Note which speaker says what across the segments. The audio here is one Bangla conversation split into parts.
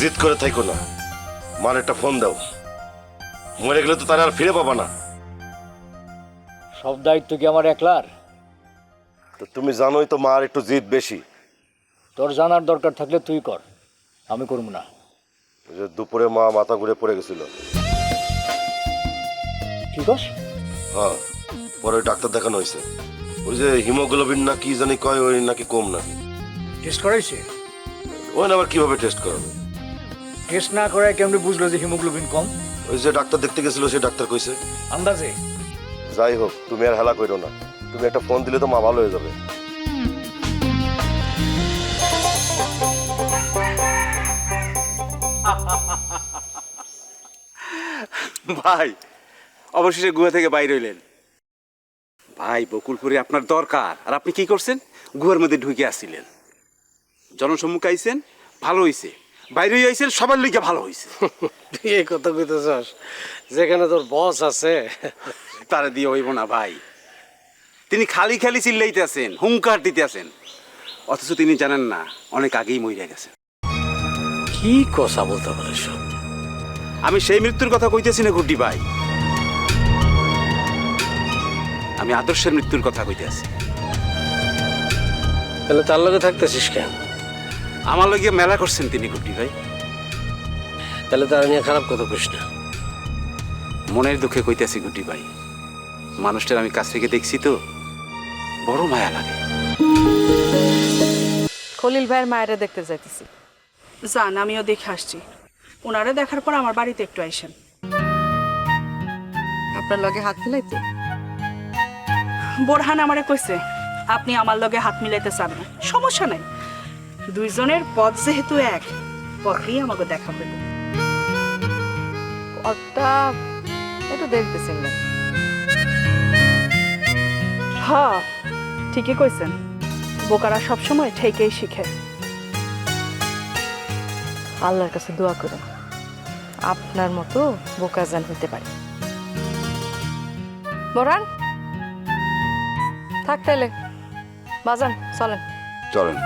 Speaker 1: জিদ করে থাইকো না, মার একটা ফোন দাও। মরে গেলে তো তারা আর ফিরে পাবা না।
Speaker 2: সব দায়িত্ব কি আমার একলার?
Speaker 1: তো তুমি জানোই তো মার একটু জিদ বেশি।
Speaker 2: তোর জানার দরকার থাকলে তুই কর, আমি করবো না।
Speaker 1: ওই যে দুপুরে মা মাথা ঘুরে পড়ে গেছিল।
Speaker 2: কি কস?
Speaker 1: হ্যাঁ, পরে ওই ডাক্তার দেখানো হয়েছে। ওই যে হিমোগ্লোবিন না কি জানি কয়, ওই নাকি কম নাকি।
Speaker 2: টেস্ট করাইছে?
Speaker 1: ওই না আবার কিভাবে টেস্ট করাবে?
Speaker 2: টেস্ট না করায় কেমনে বুঝলো যে হিমোগ্লোবিন কম?
Speaker 1: ওই যে ডাক্তার দেখতে গেছিল সে ডাক্তার কইছে।
Speaker 2: আন্দাজে?
Speaker 1: যাই হোক, তুমি আর হেলা করো না। তুমি একটা ফোন দিলে তো মা ভালো হয়ে যাবে।
Speaker 3: ভাই অবশেষে গুহা থেকে বাইরে হইলেন। ভাই বকুলপুরে আপনার দরকার, আর আপনি কি করছেন? গুহার মধ্যে ঢুকে আসছিলেন। জনসম্মুখে আইছেন, ভালো হইছে। বাইরে আইছেন, সবার লিগে ভালো হইছে।
Speaker 4: তুই এই কথা কইতেছস যেখানে তোর বস আছে?
Speaker 3: তারা দিয়ে হইব না ভাই। তিনি খালি খালি চিল্লাইতে আছেন, হুঙ্কার দিতে আছেন, অথচ তিনি জানেন না অনেক আগেই মরে গেছেন।
Speaker 4: কি কথা বলতে পারিস?
Speaker 3: আমি সেই মৃত্যুর কথা কইতেছি না গুড্ডি ভাই, আমি আদর্শের মৃত্যুর কথা কইতে আছি।
Speaker 4: তাহলে তার লগে থাকতেছিস কেন?
Speaker 3: আমার লগে মেলা করছেন তিনি গুড্ডি ভাই।
Speaker 4: তাহলে তার নিয়ে খারাপ কথা কইস না।
Speaker 3: মনের দুঃখে কইতেছি গুড্ডি ভাই, মানুষটার আমি কাছ থেকে দেখছি তো, বড় মায়া লাগে।
Speaker 5: খলিল ভাইয়ের মায়েরা দেখতে যাইতেছি।
Speaker 6: যান, আমিও দেখে আসছি। ওনারা দেখার পর আমার বাড়িতে একটু আইসেন।
Speaker 5: আপনার লগে হাত মিলাইতে?
Speaker 6: বোরহান আমারে কইছে আপনি আমার লগে হাত মিলাইতে চান না, সমস্যা নাই। দুইজনের পথ যেহেতু এক, পথেই আমাকে দেখা হইব।
Speaker 5: অতটা একটু দেখতেছেন না?
Speaker 6: হ্যাঁ, ঠিকই কইছেন। বোকারা সবসময় ঠেকেই শিখে।
Speaker 5: আল্লাহর কাছে দোয়া করেন আপনার মতো বোকা জান হইতে পারে। বরান থাক তাইলে, বাজান চলেন।
Speaker 1: চলেন।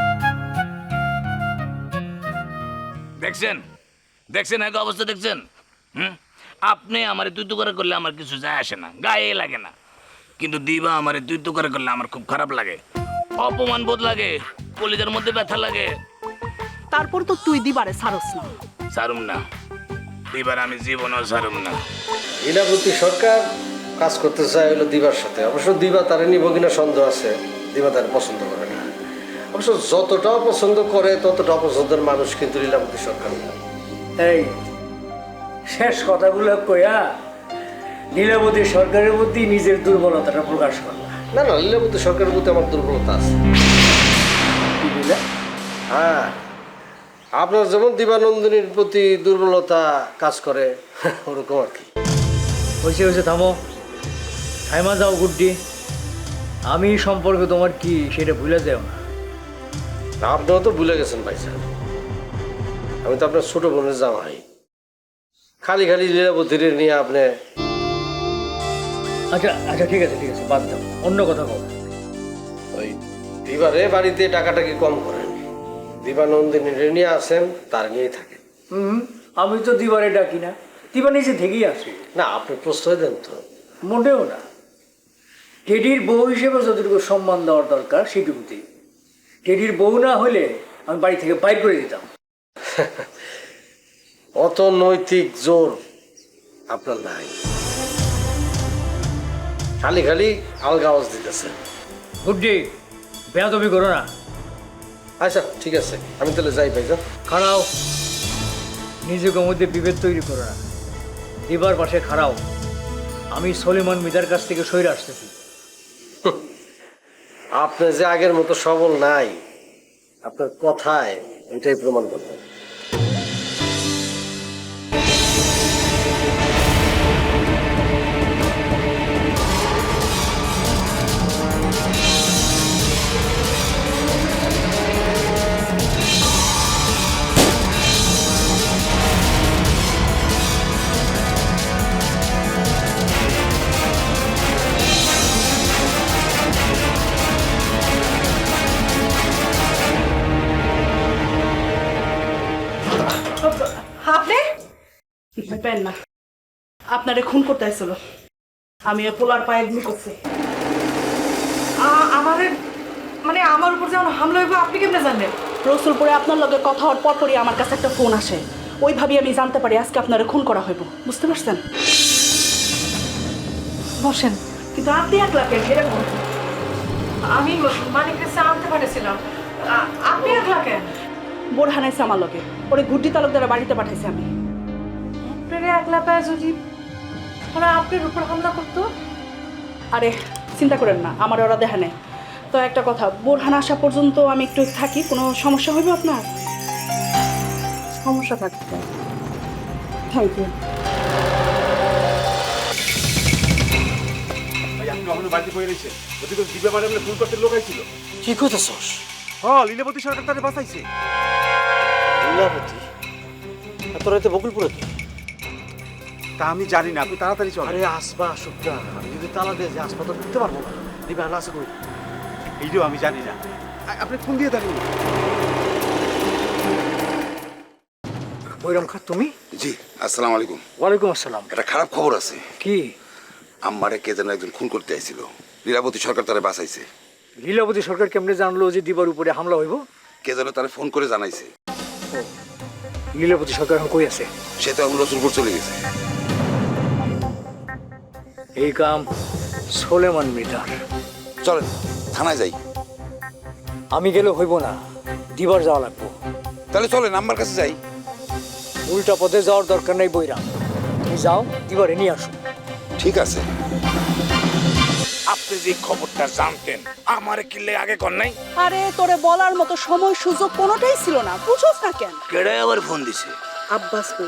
Speaker 7: দেখছেন দেখছেন এক অবস্থা দেখছেন? আপনি আমার তুই তো করে করলে আমার কিছু যায় আসে না, গায়ে লাগে না। কিন্তু দিবা আমার তুই তো করে করলে আমার খুব খারাপ লাগে, অপমান বোধ লাগে, কলিজার মধ্যে ব্যথা লাগে।
Speaker 6: তারপর তো তুই দিবারে ছাড়স না।
Speaker 7: সারুম না দিবার, আমি জীবনও সারুম না।
Speaker 4: লীলাবতী সরকার কাজ করতে চায় হলো দিবার সাথে। অবশ্য দিবা তারে নিব কিনা সন্দেহ আছে। দিবা তার পছন্দ করে না। অবশ্য যতটা পছন্দ করে ততটা অপছন্দের মানুষ কিন্তু লীলাবতী সরকার না।
Speaker 2: এই শেষ কথাগুলো কইয়া লীলাবতী সরকারের প্রতি নিজের দুর্বলতাটা প্রকাশ করলা।
Speaker 4: না না, লীলাবতী সরকারের প্রতি আমার দুর্বলতা আছে।
Speaker 2: কি বুঝলা?
Speaker 4: হ্যাঁ, আপনার যেমন দিবানন্দিনীর প্রতি দুর্বলতা কাজ করে ওরকম আর কি।
Speaker 2: হয়েছে হয়েছে, থামো, থাইমা যাও গুড্ডি। আমি সম্পর্কে তোমার কি সেটা ভুলে যাও না।
Speaker 4: আপনিও তো ভুলে গেছেন ভাই সাহেব, আমি তো আপনার ছোট বোনের জামাই। খালি খালি লীলাবতীর নিয়ে আপনি।
Speaker 2: আচ্ছা আচ্ছা, ঠিক আছে ঠিক আছে, বাদ দাও, অন্য কথা বল।
Speaker 4: ওই দিবারে বাড়িতে টাকাটাকি কম করেন। দিবানন্দিনী নিয়ে আসেন, তার নিয়েই থাকে।
Speaker 2: আমি তো দিবারে ডাকি না, দিবা নিজে থেকেই আসি।
Speaker 4: না, আপনি প্রশ্রয় দেন তো।
Speaker 2: মোটেও না। টেডির বউ হিসেবে যতটুকু সম্মান দেওয়ার দরকার সেটুকুতেই। টেডির বউ না হলে আমি বাড়ি থেকে বাইর করে দিতাম।
Speaker 4: অত নৈতিক জোর আপনার নাই, খালি খালি আলগা আওয়াজ দিতেছেন।
Speaker 2: গুড্ডি, বেয়াদবি করো না।
Speaker 4: আচ্ছা ঠিক আছে, আমি তাহলে যাই ভাইজান।
Speaker 2: খাড়াও, নিজেকে মধ্যে বিভেদ তৈরি করো না। দিবার পাশে খাড়াও। আমি সলিমান মিদার কাছ থেকে সইরে আসতেছি।
Speaker 4: আপনি যে আগের মতো সবল নাই, আপনার কথায় এটাই প্রমাণ করবেন।
Speaker 6: ডরেন না, আপনারে খুন করতে আইছিল। আমি ওই পোলার পায়ে গুলি করছি।
Speaker 5: আমারে মানে আমার উপর যেমন হামলা হইব আপনি কেমনে জানলেন?
Speaker 6: রসুলপুরে আপনার লগে কথা হওয়ার পরপরই আমার কাছে একটা ফোন আসে। ওইভাবেই আমি জানতে পারি আজকে আপনারে খুন করা হইব। বুঝতে পারছেন?
Speaker 5: বসেন।
Speaker 6: কিন্তু আপনি একলা কেন সেটা বলুন।
Speaker 5: আমি মানিক কাছে আনতে পারেছিলাম, আপনি একলা কেন?
Speaker 6: বোরহান আইছে আমার লগে, ওরে গুড্ডি তালুকদারের বাড়িতে পাঠাইছি আমি।
Speaker 5: আপনার একলা পায় যদি ওরা আপনার উপর হামলা করতো?
Speaker 6: আরে চিন্তা করেন না, আমার ওরা দেখা নেই। তো একটা কথা, বোরহান আসা পর্যন্ত আমি একটু থাকি, কোনো সমস্যা হইবে আপনার? সমস্যা থাকবে। Thank you.
Speaker 3: ভাই আপনি কখনো বাড়িতে বই রয়েছেন? ওদিকে দিব্যা ম্যাডাম ফোন করতে লোক আইছিল।
Speaker 4: কি কইতেছস?
Speaker 3: হ্যাঁ, লীলাবতী সরকার তারে বাঁচাইছে।
Speaker 4: লীলাবতী এত রাতে বকুলপুরে কি?
Speaker 3: তা আমি জানি না, আপনি তাড়াতাড়ি চলেন।
Speaker 4: আরে আসবা আসুক না, আমি যদি তালা দিয়ে যে আসবা তো ঢুকতে পারবো না। দিবা না আছে কই?
Speaker 3: এইটাও আমি জানি না। আপনি ফোন দিয়ে দাঁড়িয়ে।
Speaker 2: বৈরাম খা, তুমি?
Speaker 8: জি, আসসালামু আলাইকুম।
Speaker 2: ওয়ালাইকুম আসসালাম।
Speaker 8: একটা খারাপ খবর আছে।
Speaker 2: কি?
Speaker 8: আমারে কে যেন একজন খুন করতে আইছিল। লীলাবতী সরকার তারে বাঁচাইছে।
Speaker 2: লীলাবতী সরকার কেমনে জানলো যে দিবার উপরে হামলা হইব?
Speaker 8: কে যেন তারে ফোন করে জানাইছে।
Speaker 2: লীলাবতী সরকার এখন কই আছে?
Speaker 8: সে তো এখন রসুলপুর চলে গেছে।
Speaker 2: এই কাম সোলেমান মৃধার।
Speaker 8: চলেন থানায় যাই।
Speaker 2: আমি গেলে হইব না, দিবার যাওয়া লাগবো।
Speaker 8: তাহলে চলেন আমার কাছে যাই।
Speaker 2: উল্টা পথে যাওয়ার দরকার নেই বৈরাম, তুমি যাও, দিবারে নিয়ে আসো।
Speaker 8: ঠিক আছে।
Speaker 7: আপনি যে খবরটা জানতেন আমারে কিল্লে আগে কর নাই?
Speaker 6: আরে তোরে বলার মতো সময় সুযোগ কোনোটাই ছিল না, বুঝোস না কেন?
Speaker 7: কেডে আবার ফোন দিছে?
Speaker 6: আব্বাস কই?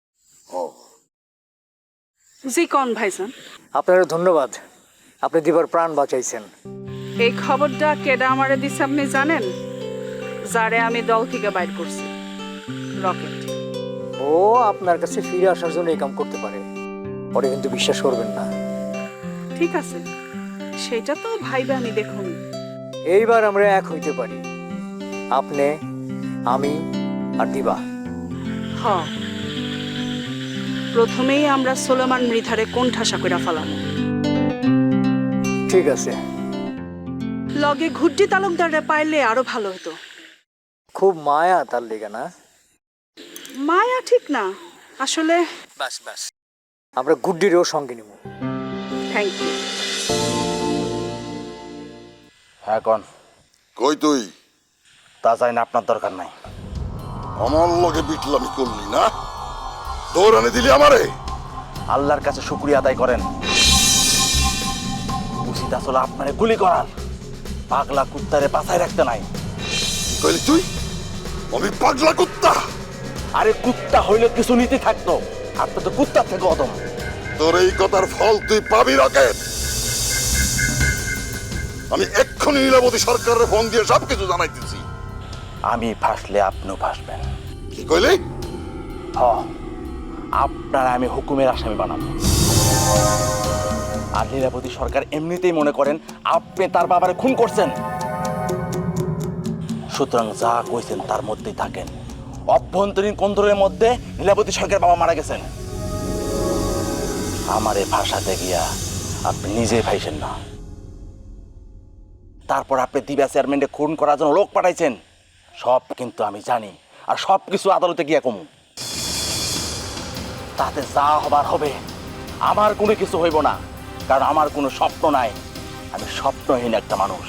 Speaker 6: জি কোন ভাইজান?
Speaker 2: আপনারা ধন্যবাদ, আপনি দিবার প্রাণ বাঁচাইছেন।
Speaker 6: এই খবরটা কেডা আমারে দিছে আপনি জানেন? যারে আমি দল থেকে বাইর করছি, রকেট।
Speaker 2: ও আপনার কাছে ফিরে আসার জন্য এই কাম করতে পারে, ওরে কিন্তু বিশ্বাস করবেন না।
Speaker 6: ঠিক আছে, সেটা তো ভাইবে আমি দেখুন।
Speaker 2: এইবার আমরা এক হইতে পারি, আপনি, আমি আর দিবা।
Speaker 6: হ, প্রথমেই আমরা সোলেমান মৃধারে কোণঠাসা কইরা ফেলাম।
Speaker 2: ঠিক আছে।
Speaker 6: লগে ঘুড্ডি তালুকদারে পাইলে আরো ভালো হতো।
Speaker 2: খুব মায়া তার লেগে না?
Speaker 6: মায়া ঠিক না, আসলে।
Speaker 2: বাস বাস, আমরা গুড্ডিরও সঙ্গে নিব।
Speaker 6: Thank you.
Speaker 3: হ্যাঁ কন।
Speaker 8: কই তুই?
Speaker 3: তা চাই না, আপনার দরকার নাই।
Speaker 8: আমার লগে বিটলামি করলি না? দৌড়ানি দিলি আমারে?
Speaker 3: আল্লাহর কাছে শুকরিয়া আদায় করেন। উচিত আসলে আপনারে গুলি করার, পাগলা কুত্তারে বাঁচায় রাখতে নাই।
Speaker 8: কইলি তুই? আমি পাগলা কুত্তা?
Speaker 3: আরে কুত্তা হইলে কিছু নীতি থাকতো, আপনি তো কুত্তার থেকে অদম।
Speaker 8: তোর এই কথার ফল তুই পাবি রকেট। আমি এক্ষুনি লীলাবতী সরকারের ফোন দিয়ে সবকিছু জানাইতেছি।
Speaker 3: আমি ফাঁসলে আপনিও ফাঁসবেন।
Speaker 8: কি কইলি?
Speaker 3: হ, আপনার আমি হুকুমের আসামি বানাবো। আর লীলাবতী সরকার এমনিতেই মনে করেন আপনি তার বাবারে খুন করছেন। সুতরাং যা কইছেন তার মধ্যেই থাকেন। অভ্যন্তরীণ কন্দরের মধ্যে লীলাবতী সরকার বাবা মারা গেছেন। আমারে ফাঁসাতে গিয়া আপনি নিজে ফাইছেন না, তারপর আপনি দিবা চেয়ারম্যানকে খুন করার জন্য লোক পাঠাইছেন। সব কিন্তু আমি জানি, আর সব কিছু আদালতে গিয়া কমু। তাতে যা হবার হবে, আমার কোনো কিছু হইব না, কারণ আমার কোনো স্বপ্ন নাই। আমি স্বপ্নহীন একটা মানুষ।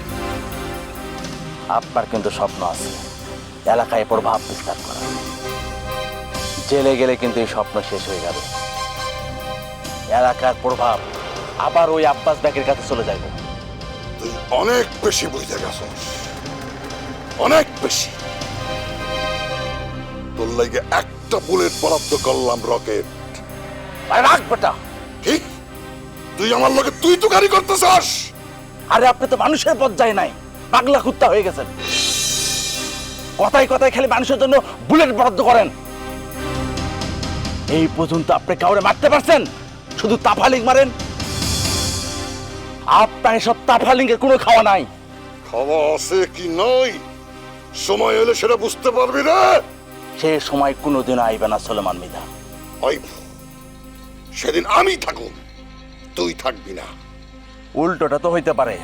Speaker 3: আপনার কিন্তু স্বপ্ন আছে, এলাকায় প্রভাব বিস্তার করা। জেলে গেলে কিন্তু এই স্বপ্ন শেষ হয়ে যাবে। এলাকার প্রভাব আবার ওই আব্বাস ব্যাকের কাছে চলে যাবে।
Speaker 8: তুই অনেক বেশি বুঝতে গেছস, অনেক বেশি। তোর লাগে একটা বুলেট বরাদ্দ করলাম রকেট।
Speaker 3: রাখ বেটা।
Speaker 8: কি? তুই আমার লগে তুই তো গাড়ি করতেছস?
Speaker 3: আরে আপনি তো মানুষের পর্যায়ে নাই, পাগলা কুত্তা হয়ে গেছেন। কথায় কথায় খালি মানুষের জন্য বুলেট বরাদ্দ করেন। এই পর্যন্ত আপনি কাউরে মারতে পারছেন? শুধু তাফালিং মারেন। আপনার এসব তাফালিংয়ের কোনো খাওয়া নাই।
Speaker 8: খাওয়া আছে কি নয়, সময় হলে সেটা বুঝতে পারবি রে।
Speaker 3: সে সময় কোনোদিন আইবে না সোলেমান মৃধা।
Speaker 8: ওই সেদিন আমি থাকুন, তুই থাকবি না।
Speaker 3: উল্টোটা তো হইতে পারে।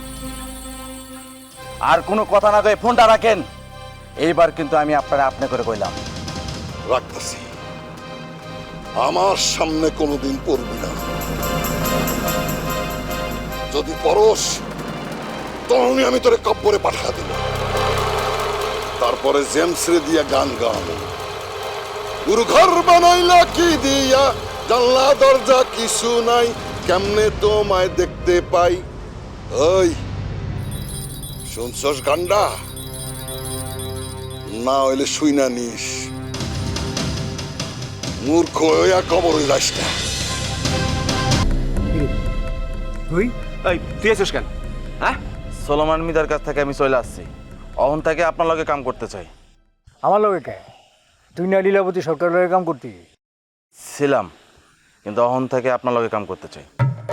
Speaker 3: আর কোনো কথা না কয়ে ফোনটা রাখেন। এইবার কিন্তু আমি আপনারা আপনি করে কইলাম।
Speaker 8: রাখতেছি, আমার সামনে কোনোদিন পড়বি না। যদি পরশ তখনই আমি তোরে কব্বরে পাঠা দিব। তারপরে জেমসরে দিয়া গান গাওয়াবো, গুরু ঘর বানাইলা কি দিয়া, জানলা দরজা কিছু নাই, কেমনে তোমায় দেখতে পাই। ওই শুনছস গান্ডা? না হইলে শুই না নিস, মূর্খ হইয়া কবরে যাস না।
Speaker 2: তুই
Speaker 3: তুই আছিস কেন? হ্যাঁ, সোলোমান মিদার কাছ থেকে আমি চলে আসছি। অহন থেকে আপনার লগে কাম করতে চাই।
Speaker 2: আমার লগে কে? তুই না লীলাবতী সরকারের লগে কাম করতি?
Speaker 3: ছিলাম, কিন্তু অহন থেকে আপনার লগে কাম করতে চাই।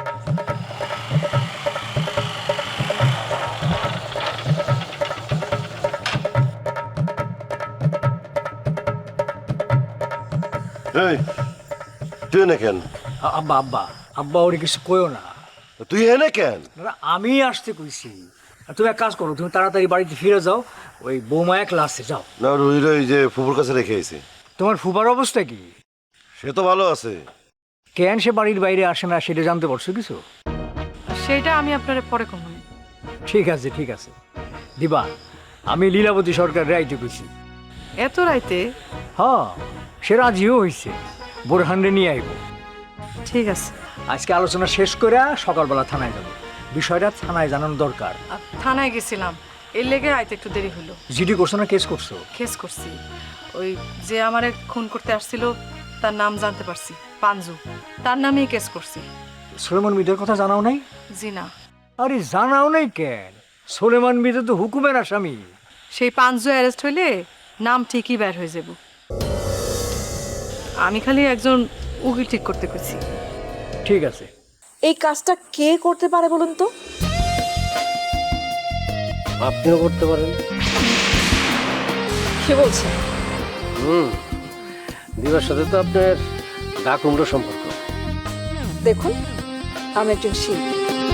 Speaker 1: এই তুই এনে কেন?
Speaker 2: আব্বা আব্বা আব্বা ওরে কিছু কইও না।
Speaker 1: তুই এনে কেন?
Speaker 2: না, আমি আসতে কইছি। আর তুমি এক কাজ করো, তুমি তাড়াতাড়ি বাড়িতে ফিরে যাও, ওই বৌমা এক লাস্টে যাও।
Speaker 1: না রুহির ওই যে ফুপুর কাছে রেখে এসে।
Speaker 2: তোমার ফুবার অবস্থা কি?
Speaker 1: সে তো ভালো আছে।
Speaker 2: কেন সে বাড়ির বাইরে আসে না সেটা জানতে পারছো কিছু?
Speaker 5: সেটা আমি আপনারে পরে কমন।
Speaker 2: ঠিক আছে ঠিক আছে দিবা, আমি লীলাবতী সরকার রাইতে কইছি।
Speaker 5: এত রাইতে?
Speaker 2: হ্যাঁ, সে রাজিও হয়েছে, বোরহানরে নিয়ে আইব।
Speaker 5: ঠিক আছে।
Speaker 2: আজকে আলোচনা শেষ করে সকালবেলা থানায় যাবো। বিষয়টা থানায় জানানো দরকার।
Speaker 5: থানায় গেছিলাম, এর লেগে আইতে একটু দেরি হলো।
Speaker 2: জিডি করছো না কেস করছো?
Speaker 5: কেস করছি। ওই যে আমারে খুন করতে আসছিল তার নাম জানতে পারছি, পাঞ্জু, তার নামেই কেস করছি।
Speaker 2: সোলেমান মিদের কথা জানাও নাই?
Speaker 5: জি না।
Speaker 2: আরে জানাও নাই কেন? সোলেমান মিদে তো হুকুমের আসামি।
Speaker 5: সেই পাঞ্জু অ্যারেস্ট হইলে নাম ঠিকই বের হয়ে যাব। আমি খালি একজন উকিল ঠিক করতে কইছি।
Speaker 2: ঠিক আছে।
Speaker 9: এই কাজটা কে করতে পারে বলুন তো?
Speaker 4: আপনিও করতে পারেন।
Speaker 9: কে বলছে?
Speaker 4: দিবার সাথে তো আপনার ডাক উমরা সম্পর্ক।
Speaker 9: দেখুন, আমি একজন শিল্পী।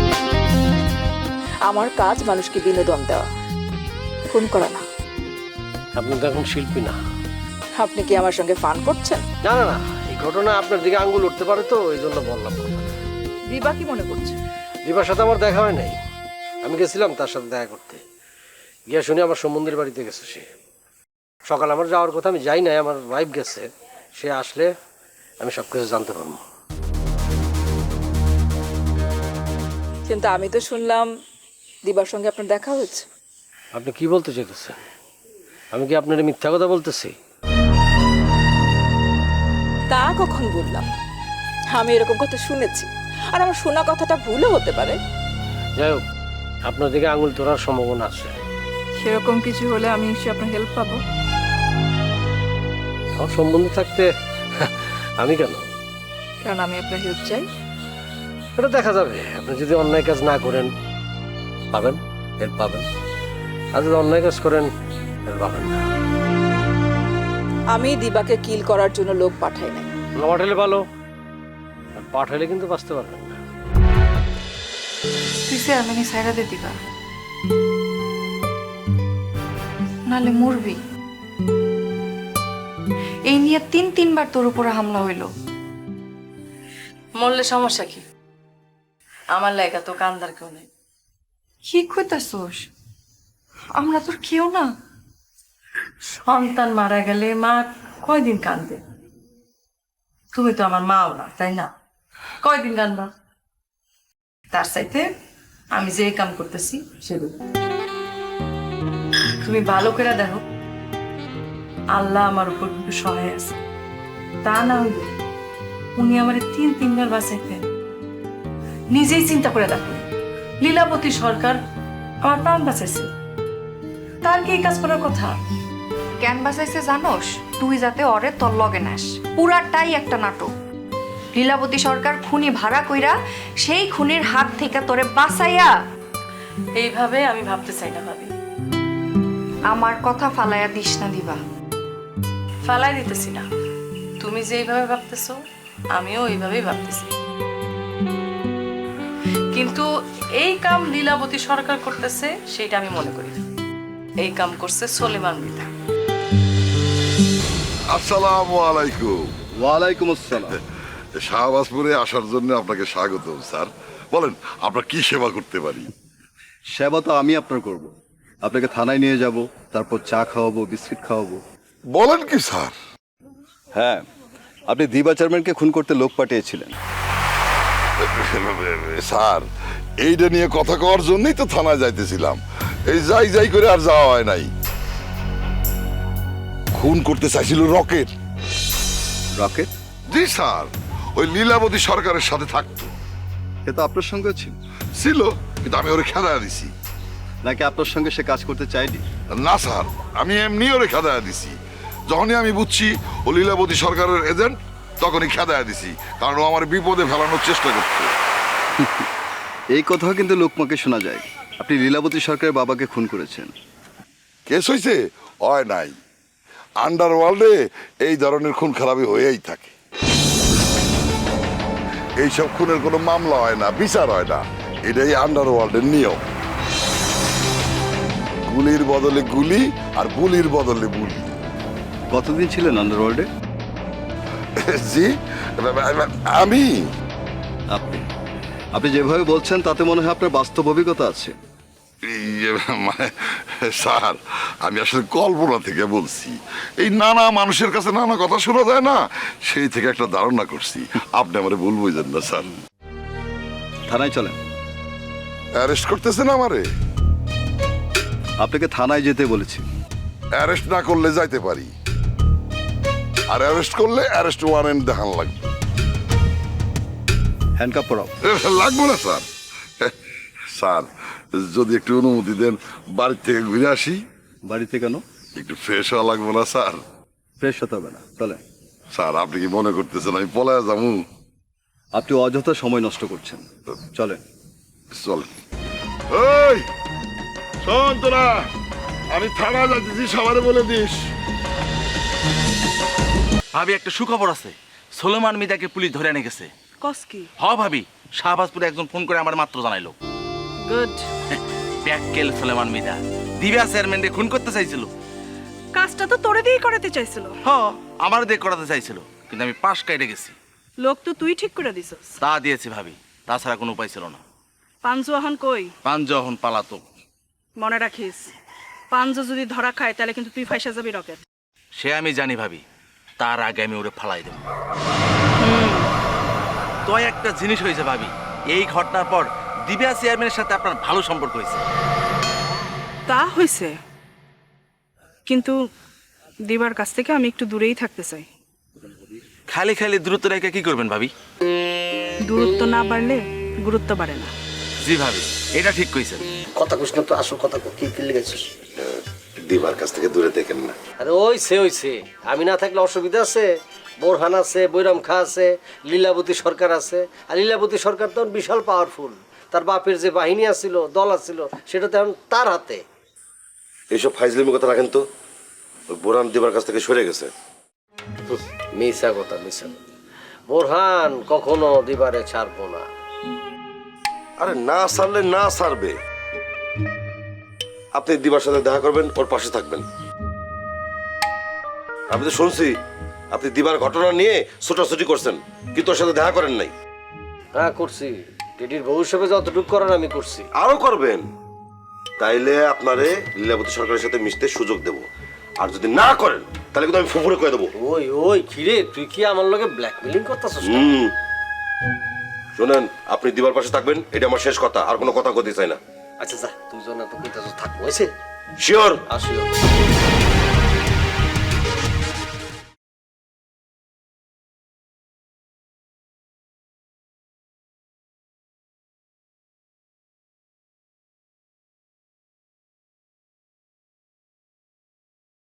Speaker 9: আমার কাজ মানুষকে বিনোদন দেওয়া, খুন করা না।
Speaker 4: আপনি তো এখন শিল্পী না।
Speaker 9: আপনি কি আমার সঙ্গে ফান করছেন?
Speaker 4: না না না, এই ঘটনা আপনার দিকে আঙ্গুল উঠতে পারে তো, এই জন্য বললাম।
Speaker 9: দিবা কি মনে করছে?
Speaker 4: দিবার সাথে আমার দেখা হয় নাই। আমি গেছিলাম তার সাথে দেখা করতে, গিয়া শুনি আমার সম্বন্ধের বাড়িতে গেছে সে। সকাল আমার যাওয়ার কথা, আমি যাই নাই, আমার ওয়াইফ গেছে। সে আসলে আমি সব কিছু জানতে পারবো।
Speaker 9: কিন্তু আমি তো শুনলাম দিবার সঙ্গে আপনার দেখা হয়েছে।
Speaker 4: আপনি কি বলতে চাইতেছেন? আমি কি আপনার মিথ্যা কথা বলতেছি?
Speaker 9: তা কখন বললাম? আমি এরকম কথা শুনেছি, আর আমার শোনা কথাটা ভুলও হতে পারে।
Speaker 4: যাই হোক, আপনার দিকে আঙুল তোলার সম্ভাবনা আছে।
Speaker 5: সেরকম কিছু হলে আমি নিশ্চয়ই আপনার হেল্প পাবো।
Speaker 4: আমার সম্বন্ধ থাকতে আমি কেন?
Speaker 5: কারণ আমি আপনার হেল্প চাই।
Speaker 4: এটা দেখা যাবে। আপনি যদি অন্যায় কাজ না করেন পাবেন, হেল্প পাবেন। আর যদি অন্যায় কাজ করেন হেল্প পাবেন না।
Speaker 9: আমি দিবাকে কিল করার জন্য লোক পাঠাই নাই।
Speaker 4: না পাঠালে ভালো, আর পাঠালে কিন্তু বাঁচতে পারবেন না।
Speaker 5: তুই চেয়ারম্যানই সাইরা দে দিবা, নালে মরবি। এই নিয়ে তিনবার তোর উপরে হামলা হইল। মরলে সমস্যা কি? আমার লাগা তো কান্দার কেউ নেই। কি কইতাছোস? আমরা তোর কেউ না। সন্তান মারা গেলে মা কয়দিন কান্দে? তুমি তো আমার মাও না, তাই না? কয়দিন কান্দবা? তার চাইতে আমি যে কাম করতেছি সেগুলো তুমি ভালো করে দেখো। আল্লাহ আমার উপর কিন্তু সহায় আছে। তা না হইলে উনি আমার তিনবার বাঁচাইতেন। নিজেই চিন্তা করে দেখো, লীলাবতী সরকার আমার প্রাণ বাঁচাইছে, তার কি এই কাজ করার কথা?
Speaker 10: জ্ঞান বাঁচাইছে জানোস? তুই যাতে অরে তোর লগে নাস। পুরাটাই একটা নাটক। লীলাবতী সরকার খুনি ভাড়া কইরা সেই খুনির হাত থেকে তোরে বাঁচাইয়া।
Speaker 5: এইভাবে আমি ভাবতে চাই না ভাবি।
Speaker 10: আমার কথা ফালাইয়া দিস না দিবা।
Speaker 5: ফালাই দিতেছি না, তুমি যেইভাবে ভাবতেছো আমিও এইভাবেই ভাবতেছি, কিন্তু এই কাম লীলাবতী সরকার করতেছে সেটা আমি মনে করি না। এই কাম করছে সলিমান মৃধা।
Speaker 8: আসসালামু আলাইকুম।
Speaker 11: ওয়ালাইকুম আসসালাম।
Speaker 8: শাহবাজপুরে আসার জন্য আপনাকে স্বাগতম স্যার। বলেন আপনার কি সেবা করতে পারি?
Speaker 11: সেবা তো আমি আপনার করব। আপনাকে থানায় নিয়ে যাব, তারপর চা খাওয়াবো, বিস্কিট খাওয়াবো।
Speaker 8: বলেন কি স্যার?
Speaker 11: হ্যাঁ, আপনি দিবা চেয়ারম্যানকে খুন করতে লোক পাঠিয়েছিলেন।
Speaker 8: স্যার এইটা নিয়ে কথা কওয়ার জন্যই তো থানায় যাইতেছিলাম। এই যাই যাই করে আর যাওয়া হয় নাই। খুন করতে চাইছিল রকেট।
Speaker 11: রকেট?
Speaker 8: জি স্যার, ওই লীলাবতী সরকারের সাথে থাকতো।
Speaker 11: সে তো আপনার সঙ্গে ছিল।
Speaker 8: ছিল, কিন্তু আমি ওরে খেদায়া দিছি।
Speaker 11: নাকি আপনার সঙ্গে সে কাজ করতে চায়নি?
Speaker 8: না স্যার, আমি এমনি ওরে খেদায়া দিছি। যখনই আমি বুঝছি ও লীলাবতী সরকারের এজেন্ট, তখনই খেদায়া দিছি, কারণ ও আমার বিপদে ফেলানোর চেষ্টা করতো।
Speaker 11: এই কথাও কিন্তু লোকমাকে শোনা যায়। আপনি লীলাবতী সরকারের বাবাকে খুন করেছেন।
Speaker 8: কেস হয়েছে? হয় নাই। আন্ডারওয়ার্ল্ডে এই ধরনের খুন খারাপি হয়েই থাকে। এইসব খুনের কোনো মামলা হয় না, বিচার হয় না। এটাই আন্ডারওয়ার্ল্ডের নিয়ম। গুলির বদলে গুলি আর বুলির বদলে বুলি।
Speaker 11: কতদিন ছিলেন আন্ডারওয়ার্ল্ডে?
Speaker 8: জি, আমি
Speaker 11: আপনি আপনি যেভাবে বলছেন তাতে মনে হয় আপনার বাস্তব অভিজ্ঞতা আছে।
Speaker 8: মানে স্যার, আমি আসলে কল্পনা থেকে বলছি। এই নানা মানুষের কাছে নানা কথা শোনা যায় না, সেই থেকে একটা ধারণা করছি। আপনি আমারে ভুল বুঝেন না স্যার।
Speaker 11: থানায় চলেন।
Speaker 8: অ্যারেস্ট করতেছেন আমারে?
Speaker 11: আপনাকে থানায় যেতে বলেছি।
Speaker 8: অ্যারেস্ট না করলে যাইতে পারি, আর অ্যারেস্ট করলে অ্যারেস্ট ওয়ারেন্ট দেখান লাগবে।
Speaker 11: হ্যান্ডকাপ পরাও।
Speaker 8: লাগবো না স্যার। স্যার যদি একটু অনুমতি দেন, বাড়ির থেকে ঘুরে আসি।
Speaker 11: বাড়িতে কেন?
Speaker 8: একটু ফ্রেশ হওয়া লাগবো না স্যার?
Speaker 11: ফ্রেশ হতে হবে না, চলেন।
Speaker 8: স্যার আপনি কি মনে করতেছেন আমি পলায়া যাবো?
Speaker 11: আপনি অযথা সময় নষ্ট করছেন, চলেন।
Speaker 8: চলেন। ওই শোন তোরা, আমি থানা যাচ্ছি, সবারে বলে দিস।
Speaker 3: ভাবি, একটা সুখবর আছে। সলিমান মৃধাকে পুলিশ ধরে এনে গেছে।
Speaker 6: কস কি?
Speaker 3: হ ভাবি, শাহবাজপুরে একজন ফোন করে আমার মাত্র জানাইলো।
Speaker 6: গুড।
Speaker 3: প্যাক্কেল সলিমান মৃধা দিবা চেয়ারম্যানকে খুন করতে চাইছিল।
Speaker 6: কাজটা তো তোরে দিয়ে করাতে চাইছিল।
Speaker 3: হ, আমার দিয়ে করাতে চাইছিল, কিন্তু আমি পাশ কাইটে গেছি।
Speaker 6: লোক তো তুই ঠিক করে দিছস।
Speaker 3: তা দিয়েছি ভাবি, তাছাড়া কোনো উপায় ছিল না।
Speaker 6: পাঞ্জুয়াহান কই?
Speaker 3: পাঞ্জহন পালাতো।
Speaker 6: মনে রাখিস, পাঞ্জু যদি ধরা খায় তাহলে কিন্তু তুই ফাইসা যাবি রকেট।
Speaker 3: সে আমি জানি ভাবি, তার আগে আমি ওরে ফালাই দেব। তো একটা জিনিস হয়েছে ভাবি, এই ঘটনার পর দিবা চেয়ারম্যানের সাথে আপনার ভালো সম্পর্ক হয়েছে।
Speaker 6: তা হয়েছে, কিন্তু দিবার কাছ থেকে আমি একটু দূরেই থাকতে চাই।
Speaker 3: খালি খালি দূরত্ব রেখে কি করবেন ভাবি?
Speaker 6: দূরত্ব না বাড়লে গুরুত্ব বাড়ে না।
Speaker 3: জি ভাবি, এটা ঠিক কইছেন।
Speaker 4: কথা কইস না তো, আসল কথা কি কি লিখেছিস?
Speaker 1: দিবার কাছ থেকে দূরে দেখেন না।
Speaker 4: আরে ওইছে, আমি না থাকলে অসুবিধা আছে? বোরহান আছে, বৈরাম খা আছে, লীলাবতী সরকার আছে। আর লীলাবতী সরকার তো বিশাল পাওয়ারফুল। তার বাপের যে বাহিনী আছিল, দল আছিল, সেটা তো এখন তার হাতে।
Speaker 1: এইসব ফাইজলিমি কথা রাখেন তো। ওই বোরহান দিবার কাছ থেকে সরে গেছে।
Speaker 4: মিশা কথা। বোরহান কখনো দিবারে ছাড়বো না।
Speaker 1: আরে না ছাড়লে না ছাড়বে। আপনি দিবার সাথে দেখা করবেন, ওর পাশে থাকবেন। আমি তো শুনছি আপনি দিবার ঘটনা নিয়ে ছোটাছুটি করছেন, কিন্তু ওর সাথে দেখা করেন নাই।
Speaker 4: হ্যাঁ করছি, টেডির বউ হিসেবে যতটুকু করার আমি করছি।
Speaker 1: আরো করবেন। তাইলে আপনারে লীলাবতী সরকারের সাথে মিশতে সুযোগ দেব। আর যদি না করেন তাহলে কিন্তু আমি ফুফুরে কয়ে দেবো।
Speaker 4: ওই কিরে, তুই কি আমার লগে ব্ল্যাকমেলিং করতেছিস?
Speaker 1: শোনেন, আপনি দিবার পাশে থাকবেন, এটা আমার শেষ কথা। আর কোনো কথা কইতে চাই না।
Speaker 4: আচ্ছা যা, তুই জন তো কইতাছিস, থাক হইছে।
Speaker 1: শিওর?
Speaker 4: আসিও।